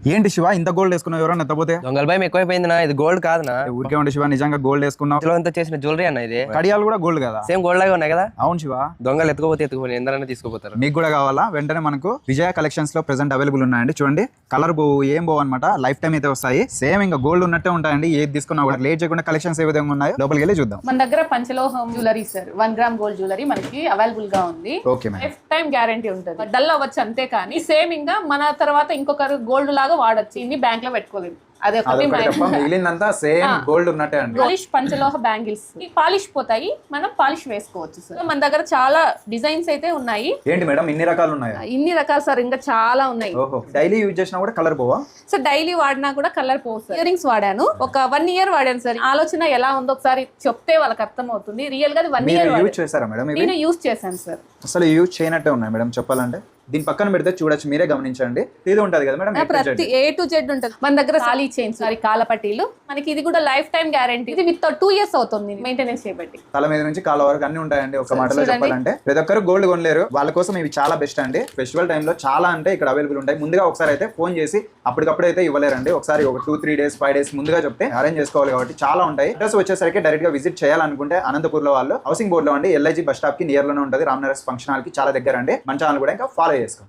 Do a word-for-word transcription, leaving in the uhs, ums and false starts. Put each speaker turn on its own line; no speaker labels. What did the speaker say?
ఏంటి శివ ఇంత గోల్డ్ వేసుకున్నావు? ఎవరన్నా ఎత్తపోతే
దొంగల భయం ఎక్కువైపోయింది నా. ఇది గోల్డ్ కాదు నా.
ఊరికే ఉండి శివ, నిజంగా గోల్డ్ వేసుకున్నావు.
ఇంత చేసిన జ్యువెలరీ అన్న. ఇది
కడియాలు కూడా గోల్డ్ కదా?
సేమ్ గోల్డ్ లాగా ఉన్నాయి కదా.
అవును శివ.
దొంగలు ఎత్తుకోపోతే ఎత్తుకోపోయి ఎందరైనా తీసుకోపోతారు.
మీకు కూడా కావాలా? వెంటనే మనకు విజయ కలెక్షన్స్ లో ప్రెసెంట్ అవైలబుల్ ఉన్నాయండి. చూడండి, కలర్ బో ఏం బో అనమాట, లైఫ్ టైం అయితే వస్తాయి. సేమ్ ఇంకా గోల్డ్ ఉన్నట్టే ఉంటాయండి. ఏది తీసుకున్నా కూడా లేట్ చేయకుండా కలెక్షన్స్ ఏ విధంగా ఉన్నాయో లోపలికి వెళ్ళి చూద్దాం.
మన దగ్గర పంచలోహం jewellery sir, one gram gold jewellery మనకి అవైలబుల్ గా ఉంది.
Okay madam.
Life time guarantee ఉంటుంది. డల్ అవ్వచ్చు అంతే, కానీ సేమ్ ఇంకా మన తర్వాత ఇంకొకరు గోల్డ్ లాగా వాడచ్చు. ఇన్ని బ్యాంక్ లో పెట్టుకోలేదు. అదే
మిగిలినంతా సేమ్ గోల్డ్ ఉన్నట్టే అండి.
పాలిష్ పంచలోహ బ్యాంగిల్స్ పాలిష్ పోతాయి, మనం పాలిష్ వేసుకోవచ్చు సార్. మన దగ్గర చాలా డిజైన్స్ అయితే ఉన్నాయి.
ఏంటి మేడం ఇన్ని రకాలు ఉన్నాయి?
ఇన్ని రకాలు సార్, ఇంకా చాలా ఉన్నాయి.
డైలీ యూజ్ చేసినా కూడా కలర్ పోవా
సార్? డైలీ వాడినా కూడా కలర్ పోవు సార్. ఇయర్ రింగ్స్ వాడాను, ఒక వన్ ఇయర్ వాడాను సార్. ఆలోచన ఎలా ఉందో ఒకసారి చెప్తే వాళ్ళకి అర్థం అవుతుంది. రియల్ గా వన్ ఇయర్
యూజ్ చేశారా మేడం?
నేను యూజ్ చేశాను సార్.
అసలు యూజ్ చేయనట్టే ఉన్నాయి మేడం చెప్పాలంటే. దీని పక్కన పెడితే చూడొచ్చు, మీరే గమనించండి. ఇది ఉంటది కదా మేడం,
ప్రతి ఏ టు జెడ్ ఉంటది మన దగ్గర. ఖాళీ చైన్స్, సారీ కాలపట్టీలు మనకి. ఇది కూడా లైఫ్ టైం గ్యారంటీ. ఇది విత్ టూ ఇయర్స్ అవుతుంది మెయింటెనెన్స్ చేయబట్టి.
తల మీద నుంచి కాల వరకు అన్ని ఉంటాయండి. ఒక మాటలో చెప్పాలంటే ప్రతి ఒక్కరు గోల్డ్ కొనలేరు, వాళ్ళ కోసం ఇవి చాలా బెస్ట్ అండి. ఫెస్టివల్ టైంలో చాలా అంటే ఇక్కడ అవైలబుల్ ఉంటాయి. ముందుగా ఒకసారి అయితే ఫోన్ చేసి అప్పటికప్పుడు అయితే ఇవ్వలేరండి. ఒకసారి ఒక two three days five days ముందుగా చెప్తే అరేంజ్ చేసుకోవాలి. కాబట్టి చాలా ఉంటాయి. అడ్రస్ వచ్చేసరికి డైరెక్ట్ గా విజిట్ చేయాలనుకుంటే అనంతపూర్ లో వాళ్ళు హౌసింగ్ బోర్డ్ లో అండి, ఎల్ఐజీ బస్ స్టాప్ కి నియర్ లోనే ఉంటుంది. రామ్నగర్ ఫంక్షన్ హాల్ కి చాలా దగ్గర అండి. మన ఛానల్ కూడా ఇంకా ఫాలో చేసుకోండి.